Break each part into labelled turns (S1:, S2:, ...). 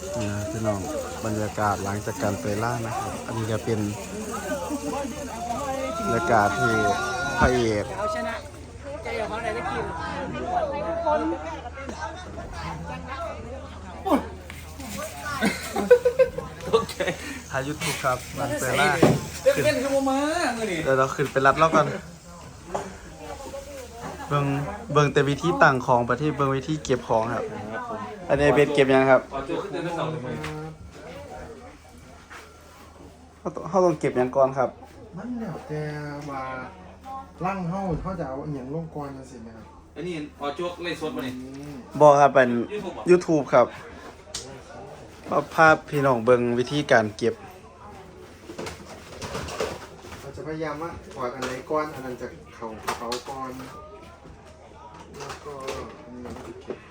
S1: นะพี่น้องบรรยากาศหลังจากการไปล่านะครับอันนี้จะเป็นบรรยากาศที่พระเอก
S2: เอาชนะใจของเขาไหนได้กิน
S1: โอเคถ่ายยูทูบครับหลังไปล่า
S2: เป็นคือโมมาเมื่อนี้
S1: เดี๋ยวเราขึ้นไปรัดแล้วกันเบิ่งแต่วิธีต่างของประเทศเบิ่งวิธีเก็บของครับอันนี้เป็นเก็บยังครับเขาต้องเก็บยังก่อนครับ
S3: มันแล้วแต่ว่าร่างเขาจะเอาอหย่างลงกรจังซี่นะครับ
S4: อันนี้พอโจ๊กเล่นสดมาเนี่ย
S1: บอกครับเป็น YouTube ครับภาพพี่น้องเบิ่งวิธีการเก็บ
S3: เราจะพยายามว่าถอดอันไหนก้อนอันนั้นจากเขาก้อนแล้วก็อันนี้เราจะเก็บ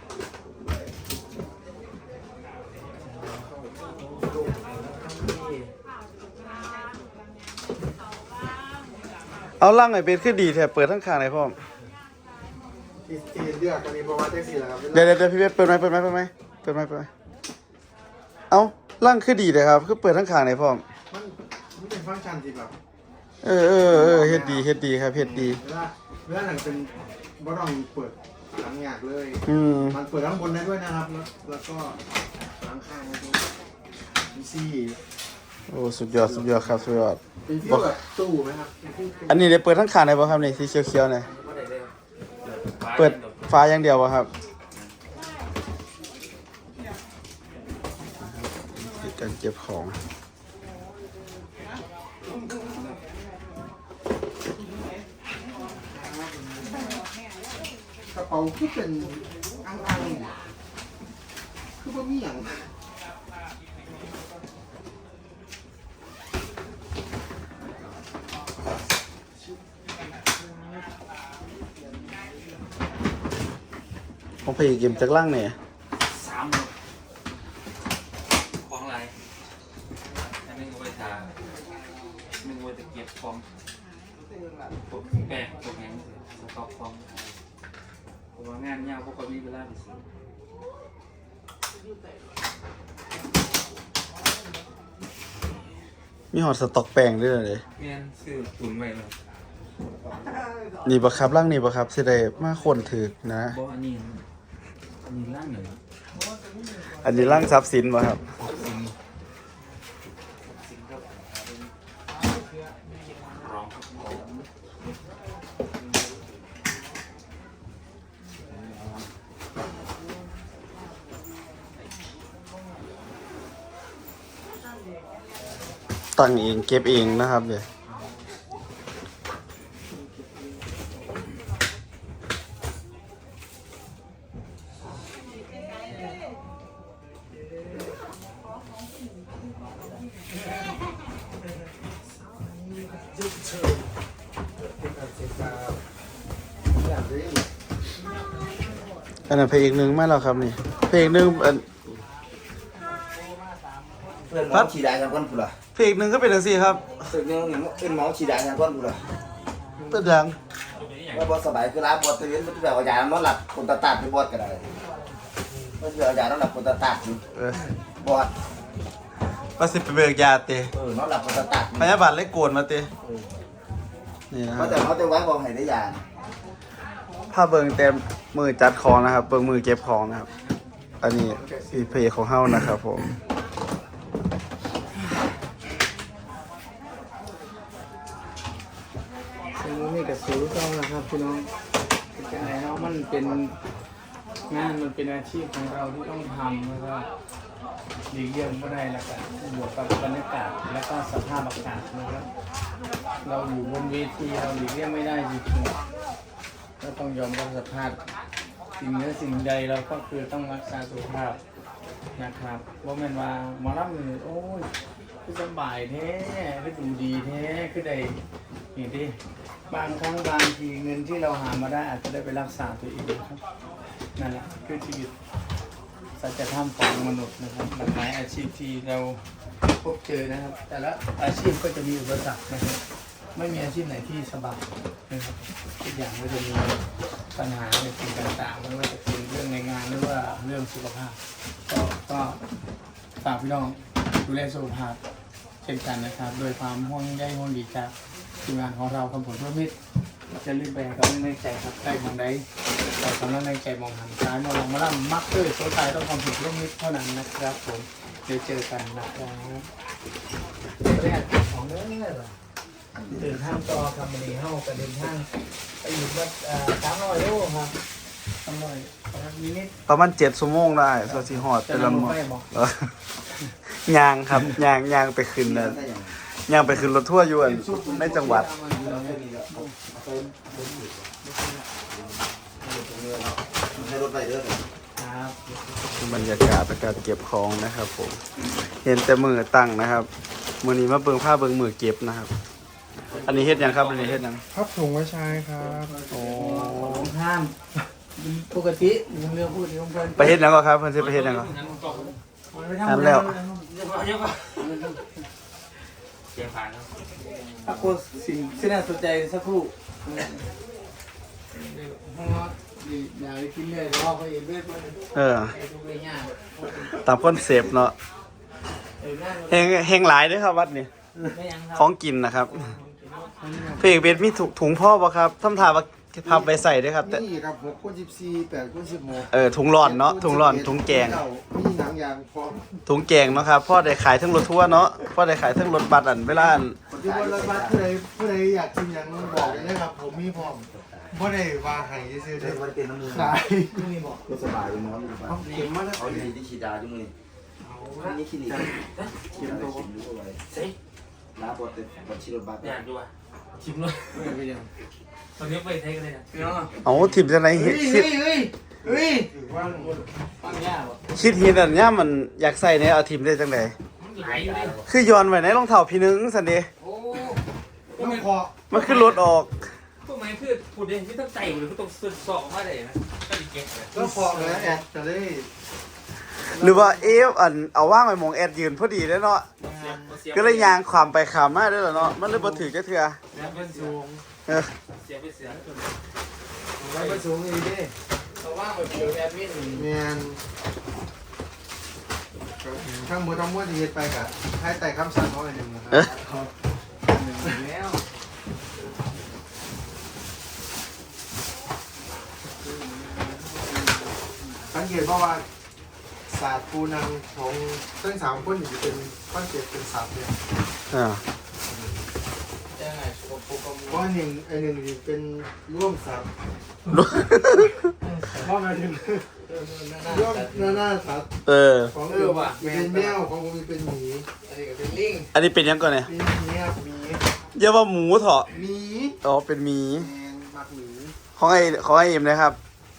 S1: เอาล่างไอ้เป็นขึ้นดีแถบเปิดทั้งข้างเลยพ่อม
S3: ที่เลือกอันนี้เพราะว่าแท็กซี่แหละครับ
S1: เดี๋ยวพี่เวทเปิดไหมเอาล่างขึ้นดีเลยครับคือเปิดทั้งข้างเลยพ่อม
S3: มันเป็นฟังก์ชันที่แบบ
S1: เฮ็ดดีครับเฮ็ดดี
S3: เวลาหนังเป็นบ่ต้องเปิดหลังหยากเลย มันเปิดข้างบนได้ด้วยนะครับแล้วก็หลังข้างได้ด้วยมีซี่
S1: โอ้สุดยอดครับสุดยอด
S3: เป็นที่แบบตู้ไหมครับ
S1: อันนี้ได้เปิดทั้งข้างเลยป่ะครับนี่สีเขียวๆเนี่ยเปิดฟ้าอย่างเดียวป่ะครับการเก็บของ
S3: กระเป๋าคือเป็นอังคือบ่มีอย่าง
S1: ผมพยายามเก็บจากล่างเนี่ย
S4: 3ของอะไรอันนึงเอาไปทาหนึ่งเอาไปเก็บของพวกแป้งพวกแห้งสต็อกของผมว่างานยาวพวกเขามีเวลาไปซื้อ
S1: มีหอดสต็อกแป้งด้วยเลย
S4: เมียนซื้อตุนไว้เลย
S1: นี่ปะครับล่างนี่ปะครับสิได้มาคนถือนะ
S4: บอกอันนี้ร่างหนึ่ง
S1: อันนี้ล่างทรัพย์สินปะครับ
S4: สิ่งครับร้องของ
S1: ตั้งเองเก็บเองนะครับเดี๋ยวอันนั้นเพลงหนึ่งไม่หรอกครับนี่เพลงหนึ่งอัน
S5: เพื่อนหมอฉีดยาทางก้นกูล่ะ
S1: เพลงหนึ่งก็เป็นอย่างสี่ครับ
S5: สึกนึงเพื่อนหมอฉีดยาทางก้นกูล่ะ
S1: เป็นอย่าง
S5: ว่าบอสบายคือร้านบอสตื่นมันจะแบบยานอนหลับคนตาตัดไปบอสกันเลยมันจะยานอนหลับคนตาตัดอยู่บอส
S1: ว่าสิไปเบิกยาเตะ
S5: นอนหลับคนตาตัด
S1: พยาบาลเลยโกนมาเตะนี่นะค
S5: เขา
S1: รับ
S5: แต่เขาจะไว้บอกให้ได้ยา
S1: ถ้าเบิ่งเต็มมือจัดของนะครับเบิ่งมือเก็บของนะครับ อันนี้คือเพจของเฮานะครับผม
S2: ซึ่งนี่กับสูตรต้องนะครับพี่น้องเป็นไงเนาะมันเป็นงานมันเป็นอาชีพของเราที่ต้องทำแล้วก็หลีกเลี่ยงไม่ได้แล้วกันบวกกับบรรยากาศและก็สภาพอากาศนะครับเราอยู่บนเวทีเราหลีกเลี่ยงไม่ได้จริงๆก็ต้องยอมรับสภาพสิ่งเหนือสิ่งใดเราก็คือต้องรักษาสุขภาพนะครับว่าแม่นว่าหมอลำนี่โอ้ยคือสบายแท้คือดูดีแท้คือได้นี่ดิบางครั้งบางทีเงินที่เราหามาได้อาจจะได้ไปรักษาตัวเองครับนั่นแหละคือชีวิตสัจธรรมของมนุษย์นะครับหลากหลายอาชีพที่เราพบเจอนะครับ แต่ละอาชีพก็จะมีอุปสรรคนะครับไม่มีอาชีพไหนที่สบายนะครับทุกอย่างก็จะมีปัญหาในสิ่งต่างๆไม่ว่าจะเป็นเรื่องในงานหรือว่าเรื่องสุขภาพก็ฝากพี่น้องดูแลสุขภาพเช่นกันนะครับโดยความห่วงใยห่วงดีจากทีมงานของเราคำผลเพื่อมิตรจะรีบแบ่งกำลังใจครับใกล้มองใดแต่กำลังใจมองหันซ้ายมองลงมาล่ำมักเลยโซตายต้องความผิดร่วมมิตรเท่านั้นนะครับผมเดี๋ยวเจอกันนะครับแรกของเนื้อเดินทางต่อคำนี้เข้ากันเดินทางไปอยู่วัด300 โลครับ300นิด
S1: ประมาณ7 ชั่วโมงได้ส่วนสิฮอด
S2: ๆ
S1: แต่ละมื้อ
S2: ไม่บอก
S1: ยางครับยางไปขึ้นนั่นยางไปขึ้นรถทัวร์อยู่ในจังหวัดบรรยากาศการเก็บของนะครับผมเห็นแต่มือตั้งนะครับมือนี้มาเบิ่งผ้าเบิ่งมือเก็บนะครับ อันนี้เฮ็ดยังครับอันนี้เฮ็ดยัง
S3: พับถุงไว้ใช้ครับ
S1: โอ้
S2: ห้ามปกติเรื่องพูดของเพื่อน
S1: ไปเฮ็ดยังก็ครับเพิ่นสิไปเฮ็ดยังก็
S2: ทำแล้ว
S4: เสียงผ่านแล้ว
S2: ถ้าโคสิ่งที่น่าสนใจสักครู่เพราะว่าอยากไปกินเลยแต่ว่าเขาเองเลือดมัน
S1: เออ
S2: ทุกเรื่องยาก
S1: ตามคอนเซปต์เนาะเฮงหลายเด้อครับวัดนี้
S2: ไม่ยังค
S1: ข
S2: รั
S1: องกินนะครับเพลงเป็นมีถุงพ่อบ่ครับทำท่าว่าพับไปใส่เด้อครับแต่
S3: นี่ครับ6 คูณ 14 8 คูณ 16
S1: ถุงร้อนเนาะถุงร้อนถุงแกง
S3: มีหนังยางพร้อม
S1: ถุงแกงเนาะครับพ่อได้ขายทั้งรถทัวร์เนาะพ่อได้ขายทั้งรถบัสอันเวลาอัน
S3: ที่บนรถบัสผู้ใดอยากกินอย่างบอกเลยนะครับผมมีพร้อมบ่ได้ว่าให้ซื่อๆเด้อ
S5: มันเป็นน้ำมือ
S3: ขาย
S2: นี่บอก
S5: ก็สบายอยู่นอนอยู่บ้าน
S3: เข็มมาแล้ว
S5: เอาดีที่ฉีดยาจุ่มนี่นี่คลินิกเข็มตัวรู้ไว้
S4: เฮ้ย
S5: น้าปวดเต็มปวดชีรถบัส
S4: อยากดูอ่ะชิมเลย
S2: ไม่ยัง
S4: ตอนนี้ไปเทคเลยนะ
S2: พี่น้อง
S1: เอาทิมจังได๋
S2: เฮ้ย
S1: คิด
S2: เฮ้ย
S3: ถือว่า
S2: ฟังยากวะ
S1: คิดเห็นอันเนี้ยมันอยากใส่เนี่ยเอาทิมได้จังได๋
S4: มันไหลอยู่ดิ
S1: คือย้อนไว้ในรองเท้าพี่นึงซั่นเด้
S4: โอ้
S3: ต้องคอ
S1: มันคือรถออก
S4: พวกมันคือพูดเองที่ต้องใจหรือต้องสึกสอบมาได้นะก็ดีเก็บเลย
S3: แล้วคอเลยแอดจะได้
S1: หรือว่าอันเอาว่างไว้หมองแอดยืนพอดีเด้อเนาะก็เลยยางความไปขามมาเด้อเนาะมันเลยบ่ถือจักเทื่อ
S4: แล้วเป็นสูง
S1: เออ
S4: เสียไปเสีย
S3: ไว้ประสูงอีกดิ
S2: เขาว่างไปเจอแอดมิน
S3: แมนทั้งหมดทั้งมวลที่เฮ็ดไปกะให้แต่คำสั่งเขาอันหนึ่งนะครั
S1: เอบ อ
S2: แล้ว
S3: สังเกตเพราะว่าศาสตร์ปูนังของทั้ง3 คนอยู่เป็นคอนเซ็ปต์เป็นศัพท์เนี่ย
S1: อ่า
S2: จะไงสุขภาพ
S3: เพราะหนึ่งนี่เป็นร่วมศัพท์เพราะหมายถึงร่วมหน้าศัพท์
S1: เออ
S3: ของเป็นแมวของผมเป็นหมี
S2: อันนี้ก็เป็นลิง
S1: อันนี้เป็นยังก่อนเนี่ย
S3: เป็นหมีครับหมี
S1: อย่าว่าหมูเถอะ
S3: หมี
S1: อ๋อเป็นหมี
S3: แมงมักหมี
S1: ของไอ้เอ็มนะครับ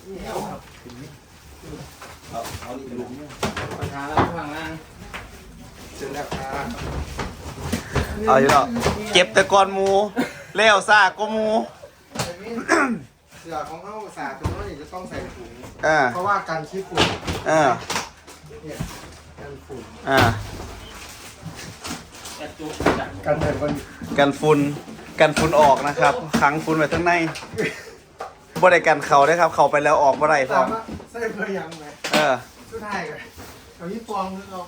S5: เอานี่เป็นลูก
S2: ปัญหาแล้วข้างล่าง
S3: เสร็จแล้วครับ
S1: เอาอยู่แล้วเก็บแต่ก่อนหมูแล้วซากก็หมู
S3: เสือของเขาศาสตร์ตรงนั้นจะต้องใส่ถุง
S1: อ่า
S3: เพราะว่าการขี้ฝุ่น
S1: อ่า
S3: เนี่ยการฝุ่น
S1: อ่า
S4: แอดจุกจัด
S3: การแต่คน
S1: กันฝุ่นออกนะครับขังฝุ่นไว้ข้างในบ่ได้กันเขาได้ครับ เข้าไปแล้วออกบ่ได้พร้
S3: สา
S1: อม
S3: มารถใส่เพื่อยังไง
S1: เออ
S3: สุดท้ายกันเอายี่ฟองนึกเอา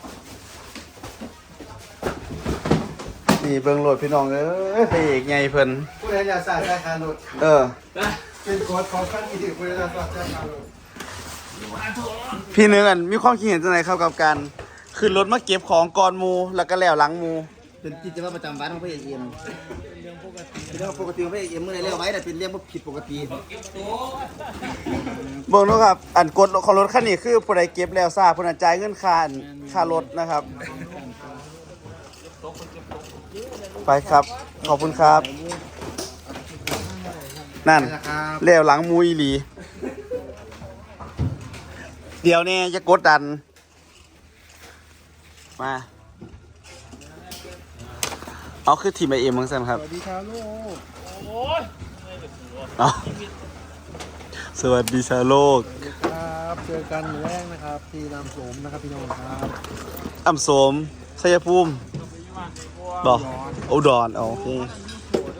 S1: นี่เบิ่งโหลดพี่น้องเอ้ยพระเอกใหญ่เพิ่น
S3: ผู้ใดอยากสาดใช้คารถ
S1: เออ
S3: เป็นกฎของขั้นที่ผู้ใดอยากสาดใช้คารถ
S1: พี่นึงอันมีความคิดเห็นจังไดครับกับการขึ้นรถมาเก็บของก่อนหมู่แล้วก็แล้วหลังหมู่
S5: เป็นกิจวัตรประจำวันของพระเอกเอ็มเป็นเรื่องปกติของพระเอกเอ็มเมื่อไรเรียกไว้แต่เป็นเรื่องผิดปกติ
S1: เบิ่งเนาะครับ อันกฎของรถคันนี้คือผู้ใดเก็บแล้วซ่าผู้นั้นจ่ายเงินค่ารถนะครับ ไปครับ ขอบคุณครับ นั่น
S3: นะครับ
S1: แล้วหลังหมูอีหลี เดี๋ยวนี้จะกดดัน มา เอาคือทีมไอเอ็มมั้งสันครับ
S3: สวัสดีครับลูก
S1: เอาสวัสดีชาวโลก
S3: ครับเจอกันแรกนะครับที่นำสมนะครับพี่น้องครับ
S1: อ่ำโสมชัยภูมิบอกอุดรโอเค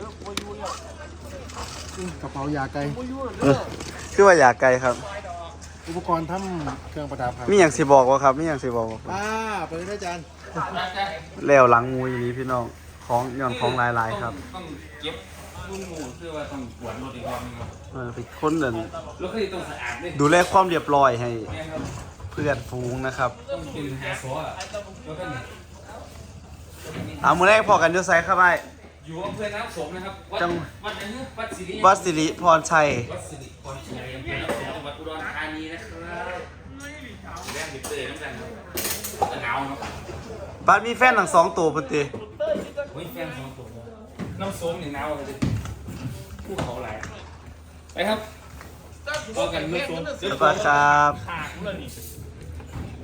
S3: กระเป๋ายาไก่
S1: คือว่าอยากไกลครับ
S3: อุปกรณ์ทำเครื่องประดับครับ
S1: มีอย่างสิบอกว่าครับมีอย่างสิบอกว่า
S3: ไปเลยอาจารย์
S1: แล้วหลังงูอย่างนี้พี่น้องของย้อนของหลายๆครับ
S4: ต้องเก็บรุ่นหมูคือว่าต้องกวาดรถอีกรอบนึงครับ
S1: เป็นคนเดิน
S4: รถคันนี้ต้องสะอาดเลย
S1: ดูแลความเรียบร้อยให้
S4: แม่ครับ
S1: เพื่อนฟูงนะครับ
S4: ต้องเป็นแฮร์ซออ่ะแล้วก็เนี่ย
S1: เอามือแรกพอกันจะใส่เข้าไป
S4: อยู่อำเภอน้ำสมนะครับวัด
S1: จัง
S4: วัดอะไรนะวัดสิริ
S1: วัดสิริพรชัย
S4: วัดสิริพรชัยอำเภอน้ำสมจังหวัดอุดรธานีนะครับแรกเด็กเตยน้ำกันครับแต่หนาวเนาะ
S1: บ้านมีแฟนทั้งสองตัวพุ่นติ
S4: เฮ้ยแฟนสองตัวน้ำส้มเนี่ยหนาวเลยภูเขาหลายไปครับต่อกันน้ำส้ม
S1: สวัสดีครับ
S4: ขาดเลยนี่